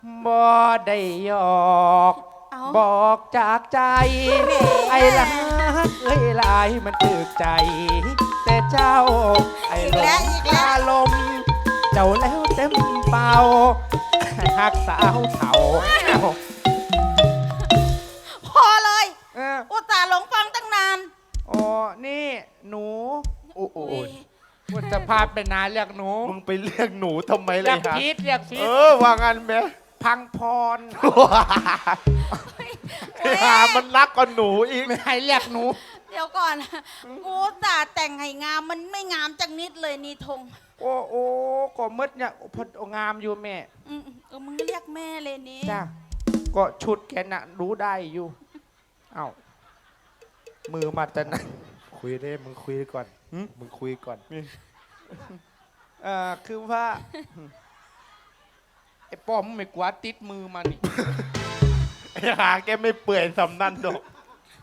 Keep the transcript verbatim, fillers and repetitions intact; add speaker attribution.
Speaker 1: บ่ได้หยอก
Speaker 2: เอ้า
Speaker 1: บอกจากใจ
Speaker 2: แหม
Speaker 1: ไอ้ลักเอ้ยลายมันตึกใจ แต่เจ้า ไอ้หลงคาลม เจ้าแล้วเต็มเป่าหักสาวเถ่า
Speaker 2: พอเลย
Speaker 1: เออ
Speaker 2: อุตส่าห์หลงฟังตั้งนาน
Speaker 1: อ๋อนี่หนูโอ้โห
Speaker 2: อุ๊ย
Speaker 1: พุทธภาพเป็นนานเรียกหนู
Speaker 3: มึงไปเรียกหนูทำไมเล
Speaker 1: เรีย
Speaker 3: ย
Speaker 1: ก
Speaker 3: ฮะ
Speaker 1: พีทเรียกพี
Speaker 3: เอ
Speaker 1: ท
Speaker 3: อว่างันไหม
Speaker 1: พังพร
Speaker 3: หามันรักกว่าหนูอีก
Speaker 1: ไม่ให้เรียกหนู
Speaker 2: เดี๋ยวก่อน กูอุตส่าห์แต่งให้งามมันไม่งามจังนิดเลยนี่ธง
Speaker 1: โอ้โอ้ก็มืดเนี่ยพองามอยู่แม่
Speaker 2: อืมเออมึงเรียกแม่เลยนี่
Speaker 1: จ้าก็ชุดแกน่ะรู้ได้อยู่ เอ้ามือมาแต่ไหน
Speaker 3: คุยได้มึงคุยก่อน
Speaker 1: หึ
Speaker 3: มึงคุยก่อน
Speaker 1: เอ่อคือว่าไอ้ป้อมไม่กวาดติดมือมานี่
Speaker 3: ไอ้หาแกไม่เปื่อยสำนันดอก